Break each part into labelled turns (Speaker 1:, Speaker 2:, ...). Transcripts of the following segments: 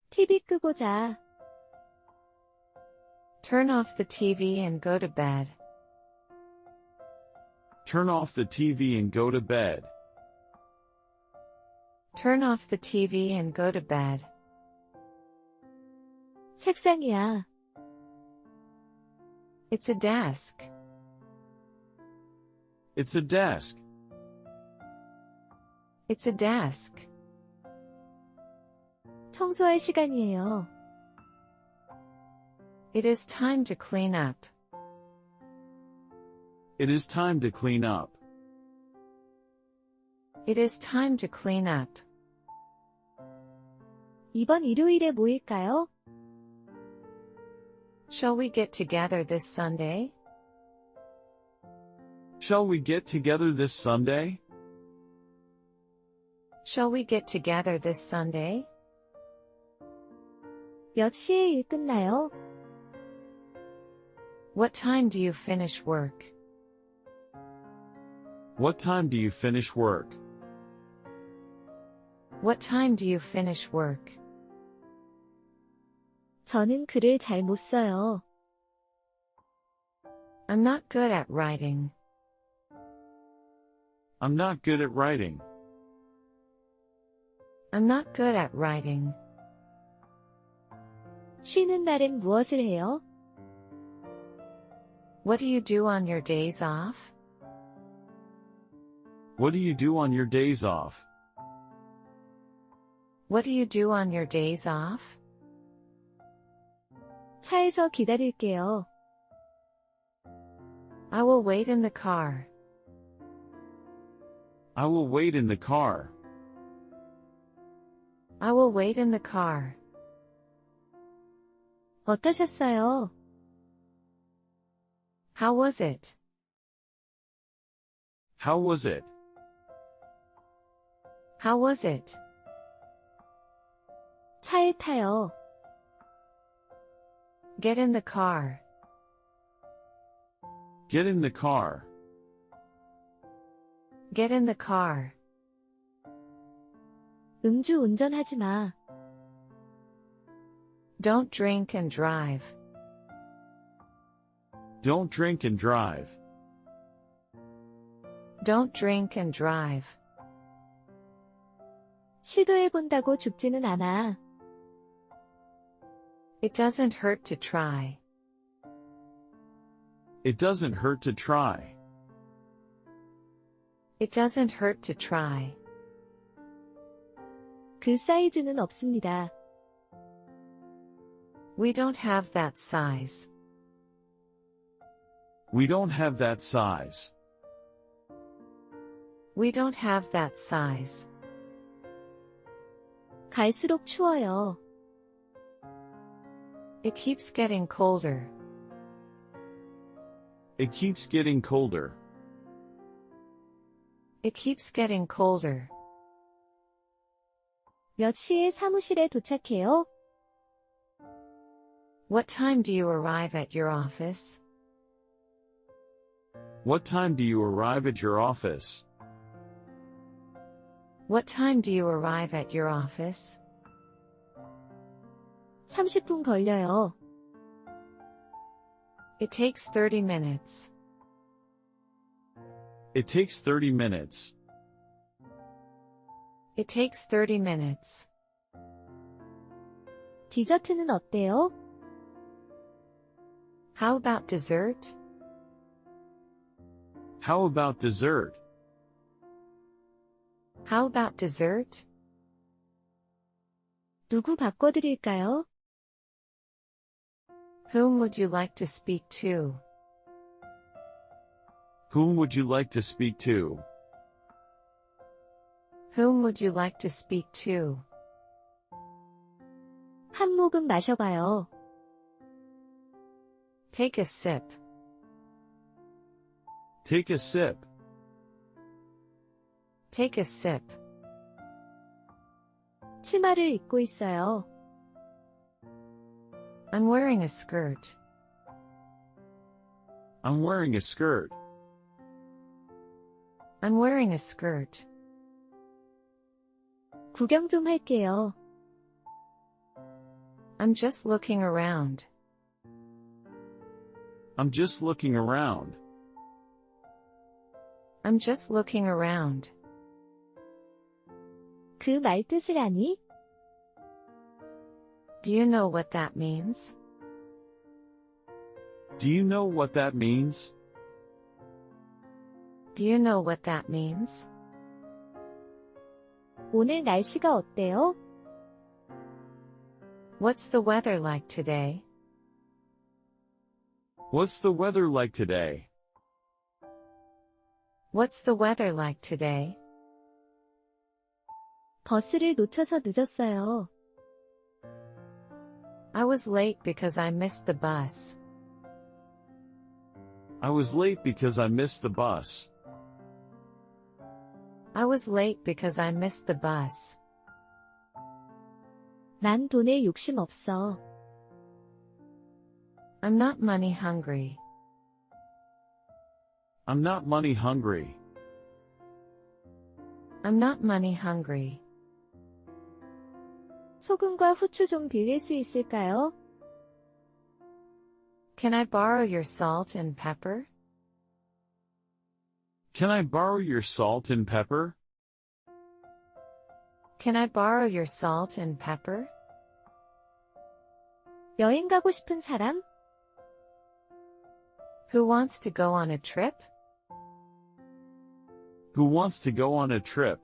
Speaker 1: TV 끄고 자.
Speaker 2: Turn off the TV and go to bed.
Speaker 3: Turn off the TV and go to bed.
Speaker 2: Turn off the TV and go to bed.
Speaker 1: 책상이야.
Speaker 2: It's a desk.
Speaker 3: It's a desk.
Speaker 2: It's a desk.
Speaker 1: 청소할 시간이에요.
Speaker 2: It is time to clean up.
Speaker 3: It is time to clean up.
Speaker 2: It is time to clean up.
Speaker 1: 이번 일요일에 모일까요?
Speaker 2: Shall we get together this Sunday?
Speaker 3: Shall we get together this Sunday?
Speaker 2: Shall we get together this Sunday?
Speaker 1: 몇 시에 일 끝나요?
Speaker 2: What time do you finish work?
Speaker 3: What time do you finish work?
Speaker 2: What time do you finish work?
Speaker 1: 저는 글을 잘 못 써요.
Speaker 2: I'm not good at writing.
Speaker 3: I'm not good at writing.
Speaker 2: I'm not good at writing.
Speaker 1: 쉬는 날엔 무엇을 해요?
Speaker 2: What do you do on your days off?
Speaker 3: What do you do on your days off?
Speaker 2: What do you do on your days off?
Speaker 1: 차에서 기다릴게요.
Speaker 2: I will wait in the car.
Speaker 3: I will wait in the car.
Speaker 2: I will wait in the car.
Speaker 1: 어떠셨어요?
Speaker 2: How was it?
Speaker 3: How was it?
Speaker 2: How was it?
Speaker 1: 차에 타요.
Speaker 2: Get in the car.
Speaker 3: Get in the car.
Speaker 2: Get in the car.
Speaker 1: 음주 운전하지 마.
Speaker 2: Don't drink and drive.
Speaker 3: Don't drink and drive.
Speaker 2: Don't drink and drive.
Speaker 1: 시도해본다고 죽지는 않아.
Speaker 2: It doesn't hurt to try.
Speaker 3: It doesn't hurt to try.
Speaker 2: It doesn't hurt to try.
Speaker 1: 그 사이즈는 없습니다.
Speaker 2: We don't have that size.
Speaker 3: We don't have that size.
Speaker 2: We don't have that size.
Speaker 1: 갈수록 추워요.
Speaker 2: It keeps getting colder.
Speaker 3: It keeps getting colder.
Speaker 2: It keeps getting colder.
Speaker 1: 몇 시에 사무실에 도착해요?
Speaker 2: What time do you arrive at your office?
Speaker 3: What time do you arrive at your office?
Speaker 2: What time do you arrive at your office?
Speaker 1: 30분 걸려요.
Speaker 2: It takes 30 minutes.
Speaker 3: It takes 30 minutes.
Speaker 2: It takes 30 minutes.
Speaker 1: 디저트는 어때요?
Speaker 2: How about dessert?
Speaker 3: How about dessert?
Speaker 2: How about dessert?
Speaker 1: 누구 바꿔드릴까요?
Speaker 2: Whom would you like to speak to?
Speaker 3: Whom would you like to speak to?
Speaker 2: Whom would you like to speak to?
Speaker 1: 한 모금 마셔봐요.
Speaker 2: Take a sip.
Speaker 3: Take a sip.
Speaker 2: Take a sip.
Speaker 1: 치마를 입고 있어요.
Speaker 2: I'm wearing a skirt.
Speaker 3: I'm wearing a skirt.
Speaker 2: I'm wearing a skirt.
Speaker 1: 구경 좀 할게요.
Speaker 2: I'm just looking around.
Speaker 3: I'm just looking around.
Speaker 2: I'm just looking around.
Speaker 1: 그 말 뜻을 아니?
Speaker 2: Do you know what that means?
Speaker 3: Do you know what that means?
Speaker 2: Do you know what that means?
Speaker 1: 오늘 날씨가 어때요?
Speaker 2: What's the weather like today?
Speaker 3: What's the weather like today?
Speaker 2: What's the weather like today?
Speaker 1: 버스를 놓쳐서 늦었어요.
Speaker 2: I was late because I missed the bus.
Speaker 3: I was late because I missed the bus.
Speaker 2: I was late because I missed the bus.
Speaker 1: 난 돈에 욕심 없어.
Speaker 2: I'm not money hungry.
Speaker 3: I'm not money hungry.
Speaker 2: I'm not money hungry.
Speaker 1: 소금과 후추 좀 빌릴 수 있을까요?
Speaker 2: Can I borrow your salt and pepper?
Speaker 3: Can I borrow your salt and pepper?
Speaker 2: Can I borrow your salt and pepper?
Speaker 1: 여행 가고 싶은 사람?
Speaker 2: Who wants to go on a trip?
Speaker 3: Who wants to go on a trip?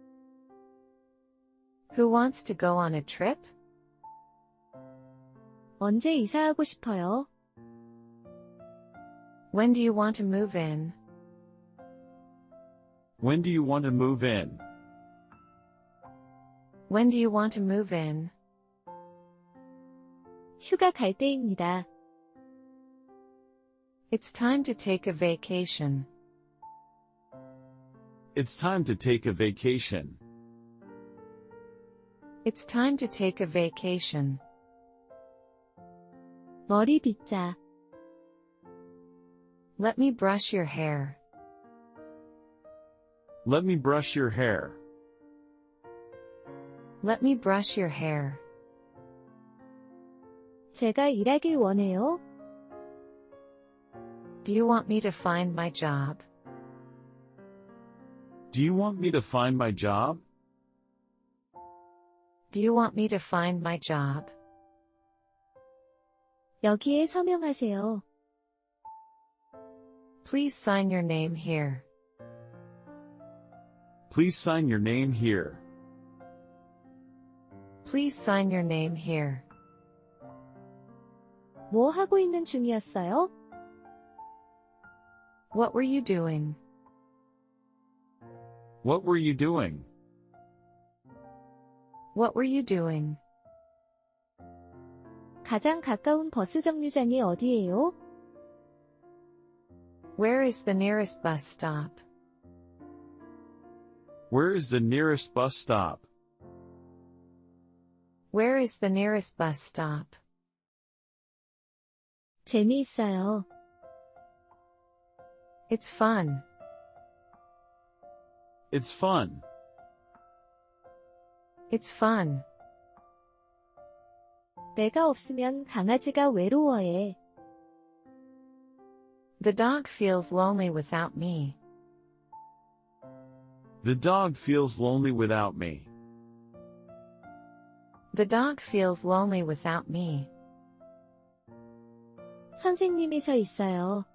Speaker 2: Who wants to go on a trip?
Speaker 1: 언제 이사하고 싶어요?
Speaker 2: When do you want to move in?
Speaker 3: When do you want to move in?
Speaker 2: When do you want to move in?
Speaker 1: 휴가 갈 때입니다.
Speaker 2: It's time to take a vacation.
Speaker 3: It's time to take a vacation.
Speaker 2: It's time to take a vacation.
Speaker 1: 머리 빗자.
Speaker 2: Let me brush your hair.
Speaker 3: Let me brush your hair.
Speaker 2: Let me brush your hair.
Speaker 1: 제가 일하길 원해요.
Speaker 2: Do you want me to find my job?
Speaker 3: Do you want me to find my job?
Speaker 2: Do you want me to find my job?
Speaker 1: 여기에 서명하세요.
Speaker 2: Please sign your name here.
Speaker 3: Please sign your name here.
Speaker 2: Please sign your name here.
Speaker 1: 뭐 하고 있는 중이었어요?
Speaker 2: What were you doing?
Speaker 3: What were you doing?
Speaker 2: What were you doing?
Speaker 1: 가장 가까운 버스 정류장이 어디예요?
Speaker 2: Where is the nearest bus stop?
Speaker 3: Where is the nearest bus stop?
Speaker 2: Where is the nearest bus stop?
Speaker 1: 재미있어요.
Speaker 2: It's fun.
Speaker 3: It's fun.
Speaker 2: It's fun.
Speaker 1: 내가 없으면 강아지가 외로워해.
Speaker 2: The dog feels lonely without me.
Speaker 3: The dog feels lonely without me.
Speaker 2: The dog feels lonely without me.
Speaker 1: 선생님이 서 있어요.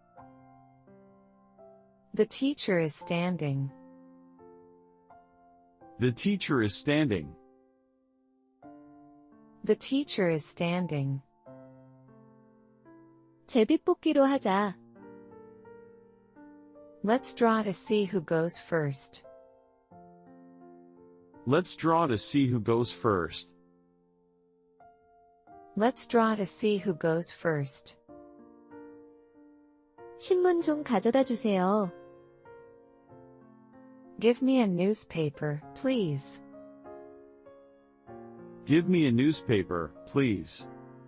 Speaker 2: The teacher is standing.
Speaker 3: The teacher is standing.
Speaker 2: The teacher is standing.
Speaker 1: 제비뽑기로 하자.
Speaker 2: Let's draw to see who goes first.
Speaker 3: Let's draw to see who goes first.
Speaker 2: Let's draw to see who goes first.
Speaker 1: 신문 좀 가져다 주세요.
Speaker 2: Give me a newspaper, please.
Speaker 3: Give me a newspaper, please.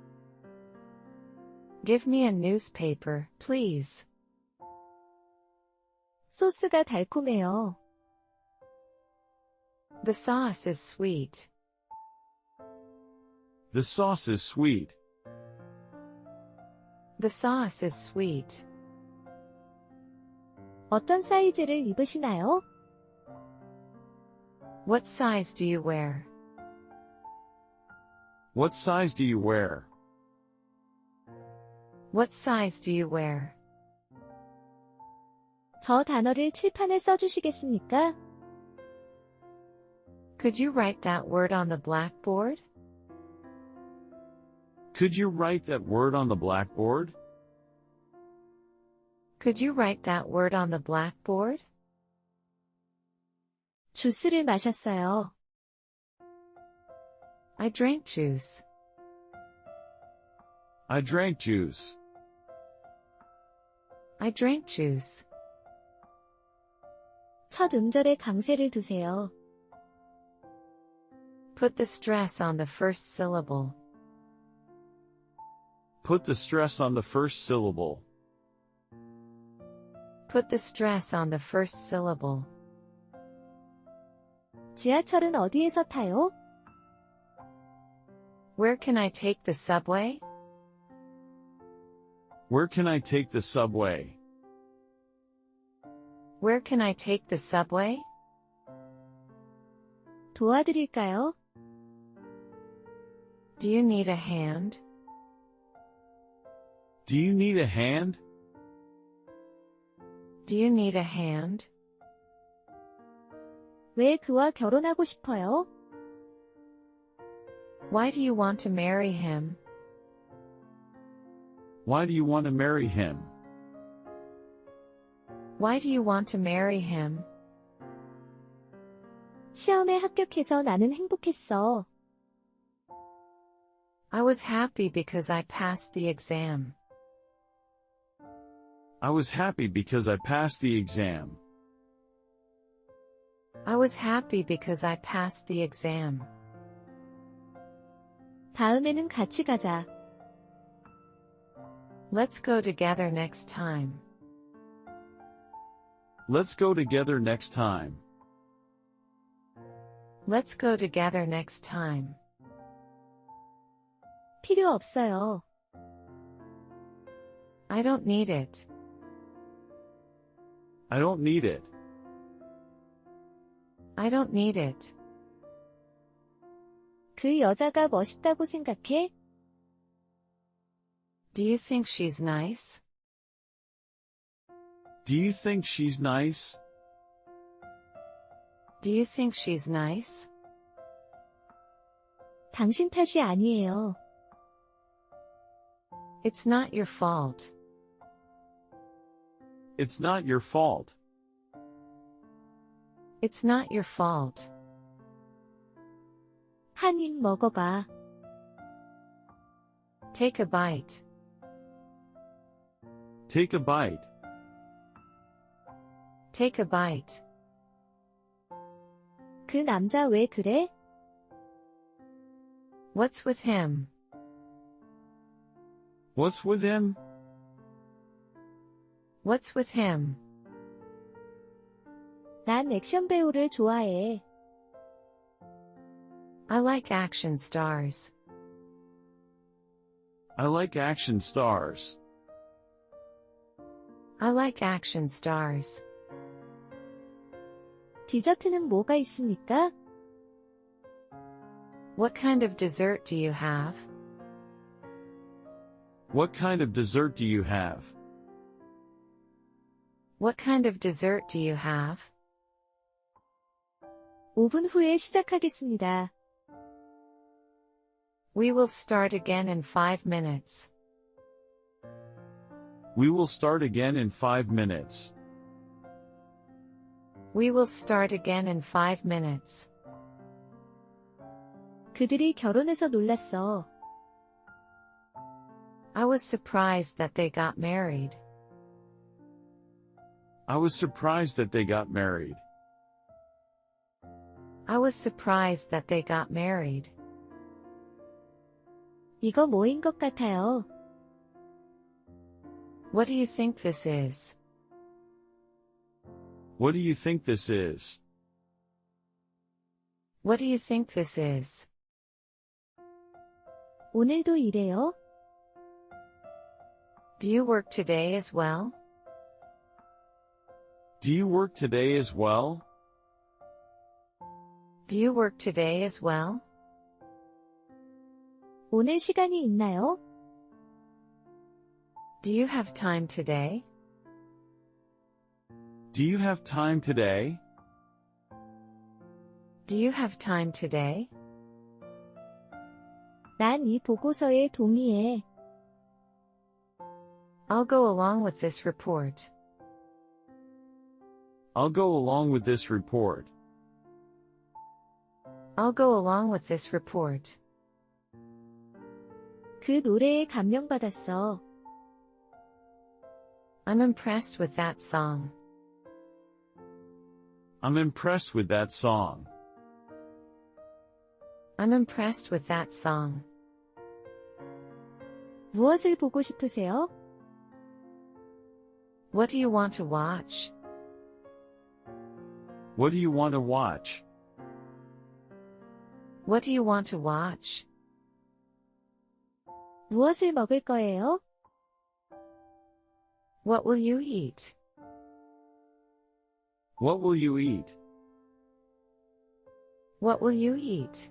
Speaker 2: Give me a newspaper, please.
Speaker 1: 소스가 달콤해요.
Speaker 2: The sauce is sweet.
Speaker 3: The sauce is sweet.
Speaker 2: The sauce is sweet.
Speaker 1: 어떤 사이즈를 입으시나요?
Speaker 2: What size do you wear?
Speaker 3: What size do you wear?
Speaker 2: What size do you wear?
Speaker 1: 저 단어를 칠판에 써주시겠습니까?
Speaker 2: Could you write that word on the blackboard?
Speaker 3: Could you write that word on the blackboard?
Speaker 2: Could you write that word on the blackboard?
Speaker 1: 주스를 마셨어요.
Speaker 2: I drank juice.
Speaker 3: I drank juice.
Speaker 2: I drank juice.
Speaker 1: 첫 음절에 강세를 두세요.
Speaker 2: Put the stress on the first syllable.
Speaker 3: Put the stress on the first syllable.
Speaker 2: Put the stress on the first syllable.
Speaker 1: 지하철은 어디에서 타요?
Speaker 2: Where can I take the subway?
Speaker 3: Where can I take the subway?
Speaker 2: Where can I take the subway?
Speaker 1: 도와드릴까요?
Speaker 2: Do you need a hand?
Speaker 3: Do you need a hand?
Speaker 2: Do you need a hand?
Speaker 1: 왜 그와 결혼하고 싶어요?
Speaker 2: Why do you want to marry him?
Speaker 3: Why do you want to marry him?
Speaker 2: Why do you want to marry him?
Speaker 1: 시험에 합격해서 나는 행복했어.
Speaker 2: I was happy because I passed the exam.
Speaker 3: I was happy because I passed the exam.
Speaker 2: I was happy because I passed the exam.
Speaker 1: 다음에는 같이 가자.
Speaker 2: Let's go together next time.
Speaker 3: Let's go together next time.
Speaker 2: Let's go together next time.
Speaker 1: 필요 없어요.
Speaker 2: I don't need it.
Speaker 3: I don't need it.
Speaker 2: I don't need it.
Speaker 1: 그 여자가 멋있다고 생각해?
Speaker 2: Do you think she's nice?
Speaker 3: Do you think she's nice?
Speaker 2: Do you think she's nice?
Speaker 1: 당신 탓이 아니에요.
Speaker 2: It's not your fault.
Speaker 3: It's not your fault.
Speaker 2: It's not your fault.
Speaker 1: 한 입 먹어봐.
Speaker 2: Take a bite.
Speaker 3: Take a bite.
Speaker 2: Take a bite.
Speaker 1: 그 남자 왜 그래?
Speaker 2: What's with him?
Speaker 3: What's with him?
Speaker 2: What's with him?
Speaker 1: 난 액션 배우를 좋아해.
Speaker 2: I like action stars.
Speaker 3: I like action stars.
Speaker 2: I like action stars.
Speaker 1: 디저트는 뭐가 있습니까?
Speaker 2: What kind of dessert do you have?
Speaker 3: What kind of dessert do you have?
Speaker 2: What kind of dessert do you have?
Speaker 1: 5분 후에 시작하겠습니다.
Speaker 2: We will start again in 5 minutes.
Speaker 3: We will start again in 5 minutes.
Speaker 2: We will start again in 5 minutes.
Speaker 1: 그들이 결혼해서 놀랐어.
Speaker 2: I was surprised that they got married.
Speaker 3: I was surprised that they got married.
Speaker 2: I was surprised that they got married.
Speaker 1: 이거 뭐인 것 같아요?
Speaker 2: What do you think this is?
Speaker 3: What do you think this is?
Speaker 2: What do you think this is?
Speaker 1: 오늘도 일해요?
Speaker 2: Do you work today as well?
Speaker 3: Do you work today as well?
Speaker 2: Do you work today as well?
Speaker 1: 오늘 시간이 있나요?
Speaker 2: Do you have time today?
Speaker 3: Do you have time today?
Speaker 2: Do you have time today?
Speaker 1: 난 이 보고서에 동의해.
Speaker 2: I'll go along with this report.
Speaker 3: I'll go along with this report.
Speaker 2: I'll go along with this report.
Speaker 1: 그 노래에 감명받았어.
Speaker 2: I'm impressed with that song.
Speaker 3: I'm impressed with that song.
Speaker 2: I'm impressed with that song.
Speaker 1: 무엇을 보고 싶으세요?
Speaker 2: What do you want to watch?
Speaker 3: What do you want to watch?
Speaker 2: What do you want to watch?
Speaker 1: 무엇을 먹을 거예요?
Speaker 2: What will you eat?
Speaker 3: What will you eat?
Speaker 2: What will you eat?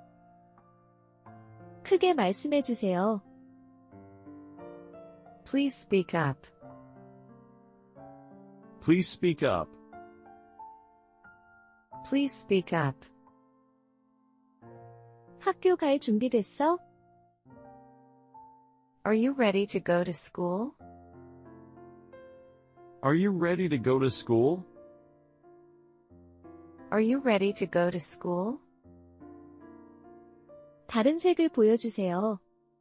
Speaker 1: 크게 말씀해 주세요.
Speaker 2: Please speak up.
Speaker 3: Please speak up.
Speaker 2: Please speak up.
Speaker 1: 학교 갈 준비됐어?
Speaker 2: Are you ready to go to school?
Speaker 3: Are you ready to go to school?
Speaker 2: Are you ready to go to school?
Speaker 1: 다른 색을 보여주세요.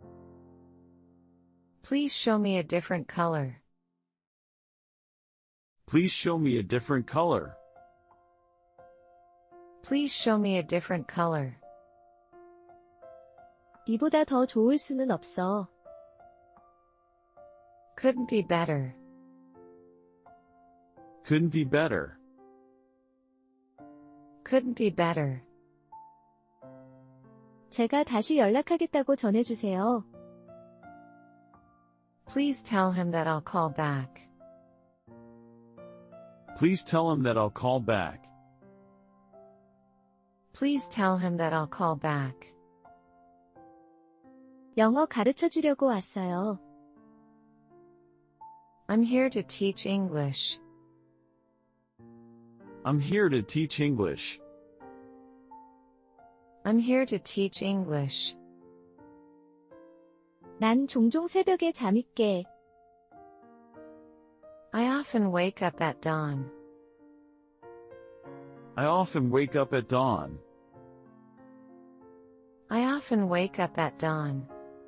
Speaker 2: Please show me a different color.
Speaker 3: Please show me a different color.
Speaker 2: Please show me a different color.
Speaker 1: 이보다 더 좋을 수는 없어.
Speaker 2: Couldn't be better.
Speaker 3: Couldn't be better.
Speaker 2: Couldn't be better.
Speaker 1: 제가 다시 연락하겠다고 전해주세요.
Speaker 2: Please tell him that I'll call back.
Speaker 3: Please tell him that I'll call back.
Speaker 2: Please tell him that I'll call back.
Speaker 1: 영어 가르쳐 주려고 왔어요.
Speaker 2: I'm here to teach English.
Speaker 3: I'm here to teach English.
Speaker 2: I'm here to teach English.
Speaker 1: 난 종종 새벽에 잠이 깨.
Speaker 2: I often wake up at dawn.
Speaker 3: I often wake up at dawn.
Speaker 2: I often wake up at dawn.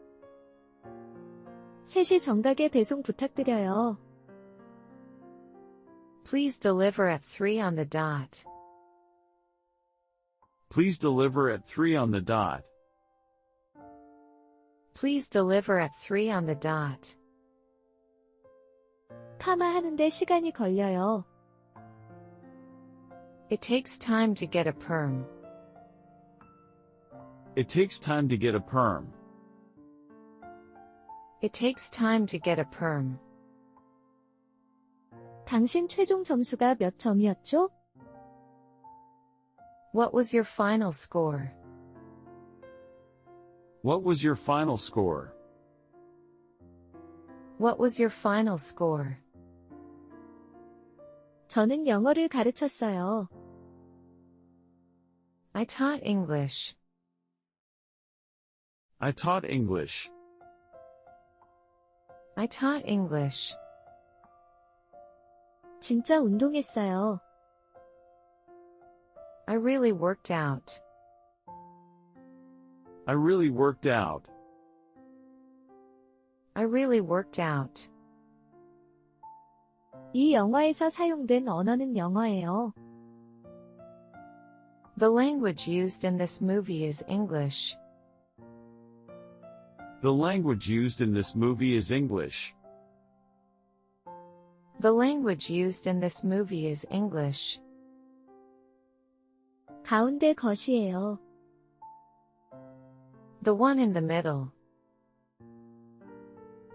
Speaker 1: 3시 정각에 배송 부탁드려요.
Speaker 2: Please deliver at 3 on the dot.
Speaker 3: Please deliver at 3 on the dot.
Speaker 2: Please deliver at 3 on the dot.
Speaker 1: 파마하는데 시간이 걸려요.
Speaker 2: It takes time to get a perm.
Speaker 3: It takes time to get a perm.
Speaker 2: It takes time to get a perm.
Speaker 1: 당신 최종 점수가 몇 점이었죠?
Speaker 2: What was your final score?
Speaker 3: What was your final score?
Speaker 2: What was your final score?
Speaker 1: 저는 영어를 가르쳤어요.
Speaker 2: I taught English.
Speaker 3: I taught English.
Speaker 2: I taught English.
Speaker 1: 진짜 운동했어요.
Speaker 2: I really worked out.
Speaker 3: I really worked out.
Speaker 2: I really worked out.
Speaker 1: 이 영화에서 사용된 언어는 영어예요.
Speaker 2: The language used in this movie is English.
Speaker 3: The language used in this movie is English.
Speaker 2: The language used in this movie is English.
Speaker 1: 가운데 것이에요.
Speaker 2: The one in the middle.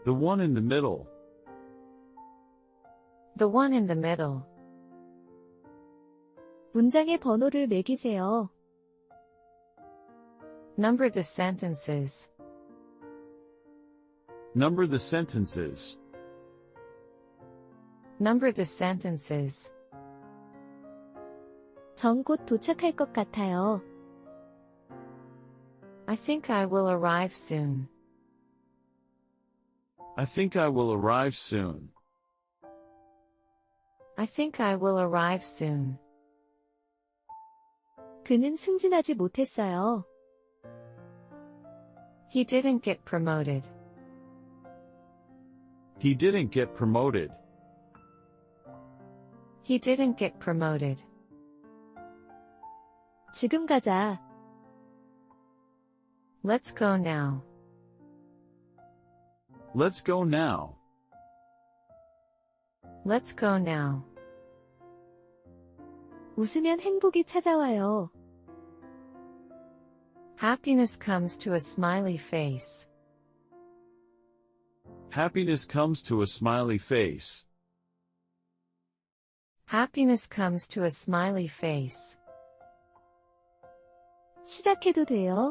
Speaker 3: The one in the middle.
Speaker 2: The one in the middle.
Speaker 1: 문장의 번호를 매기세요.
Speaker 2: Number the sentences.
Speaker 3: Number the sentences.
Speaker 2: Number the sentences.
Speaker 1: 전 곧 도착할 것 같아요.
Speaker 2: I think I will arrive soon.
Speaker 3: I think I will arrive soon.
Speaker 2: I think I will arrive soon.
Speaker 1: 그는 승진하지 못했어요.
Speaker 2: He didn't get promoted.
Speaker 3: He didn't get promoted.
Speaker 2: He didn't get promoted.
Speaker 1: 지금 가자.
Speaker 2: Let's go now.
Speaker 3: Let's go now.
Speaker 2: Let's go now.
Speaker 1: 웃으면 행복이 찾아와요.
Speaker 2: Happiness comes to a smiley face.
Speaker 3: Happiness comes to a smiley face.
Speaker 2: Happiness comes to a smiley face.
Speaker 1: 시작해도 돼요?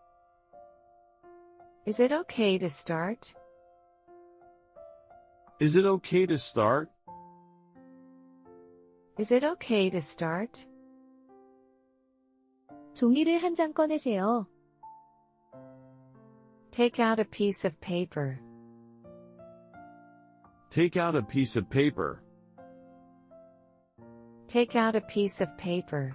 Speaker 2: Is it okay to start?
Speaker 3: Is it okay to start?
Speaker 2: Is it okay to start?
Speaker 1: 종이를 한 장 꺼내세요.
Speaker 2: Take out a piece of paper.
Speaker 3: Take out a piece of paper.
Speaker 2: Take out a piece of paper.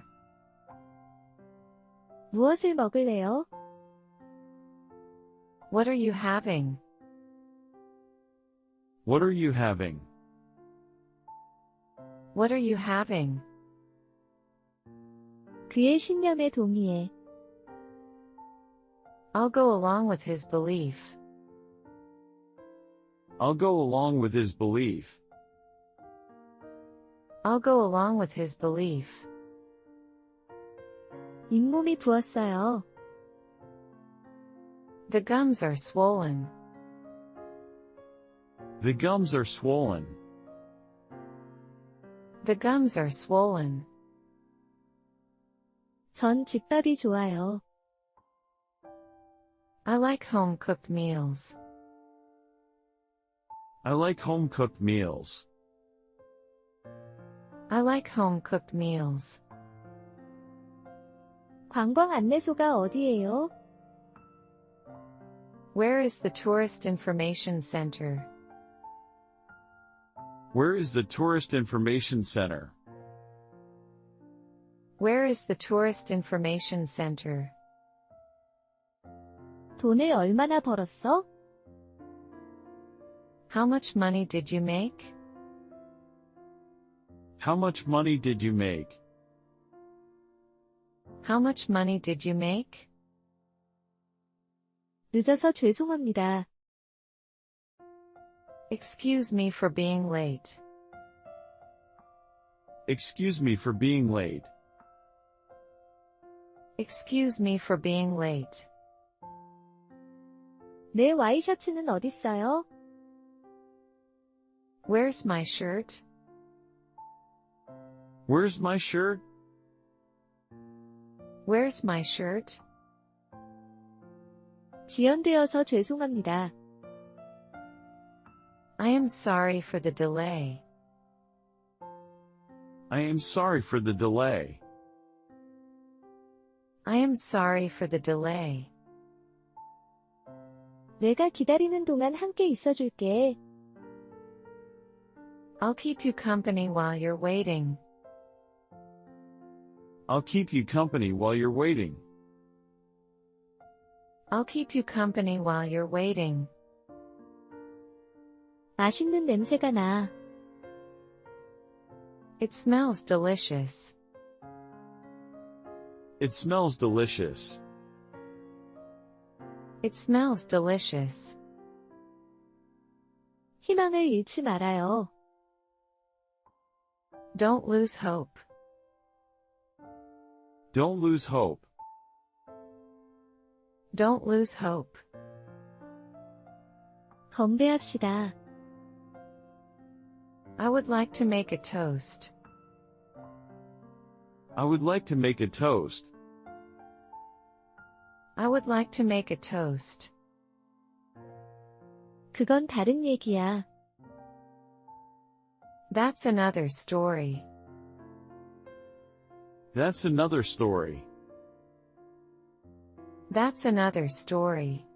Speaker 1: 무엇을 먹을래요?
Speaker 2: What are you having?
Speaker 3: What are you having?
Speaker 2: What are you having?
Speaker 1: 그의 신념에 동의해.
Speaker 2: I'll go along with his belief.
Speaker 3: I'll go along with his belief.
Speaker 2: I'll go along with his belief.
Speaker 1: 잇몸이 부었어요.
Speaker 2: The gums are swollen.
Speaker 3: The gums are swollen.
Speaker 2: The gums are swollen.
Speaker 1: 전 집밥이 좋아요.
Speaker 2: I like home-cooked meals.
Speaker 3: I like home-cooked meals.
Speaker 2: I like home-cooked meals.
Speaker 1: 관광 안내소가 어디예요?
Speaker 2: Where is the tourist information center?
Speaker 3: Where is the tourist information center?
Speaker 2: Where is the tourist information center?
Speaker 1: 돈을 얼마나 벌었어?
Speaker 2: How much money did you make?
Speaker 3: How much money did you make?
Speaker 2: How much money did you make?
Speaker 1: 늦어서 죄송합니다.
Speaker 2: Excuse me for being late.
Speaker 3: Excuse me for being late.
Speaker 2: Excuse me for being late.
Speaker 1: 내 와이셔츠는 어딨어요?
Speaker 2: Where's my shirt?
Speaker 3: Where's my shirt?
Speaker 2: Where's my shirt?
Speaker 1: 지연되어서 죄송합니다.
Speaker 2: I am sorry for the delay.
Speaker 3: I am sorry for the delay.
Speaker 2: I am sorry for the delay.
Speaker 1: 내가 기다리는 동안 함께 있어줄게.
Speaker 2: I'll keep you company while you're waiting.
Speaker 3: I'll keep you company while you're waiting.
Speaker 2: I'll keep you company while you're waiting.
Speaker 1: 맛있는 냄새가 나.
Speaker 2: It smells delicious.
Speaker 3: It smells delicious.
Speaker 2: It smells delicious.
Speaker 1: 희망을 잃지 말아요.
Speaker 2: Don't lose hope.
Speaker 3: Don't lose hope.
Speaker 2: Don't lose hope.
Speaker 1: 건배합시다.
Speaker 2: I would like to make a toast.
Speaker 3: I would like to make a toast.
Speaker 2: I would like to make a toast.
Speaker 1: 그건 다른 얘기야.
Speaker 2: That's another story.
Speaker 3: That's another story.
Speaker 2: That's another story.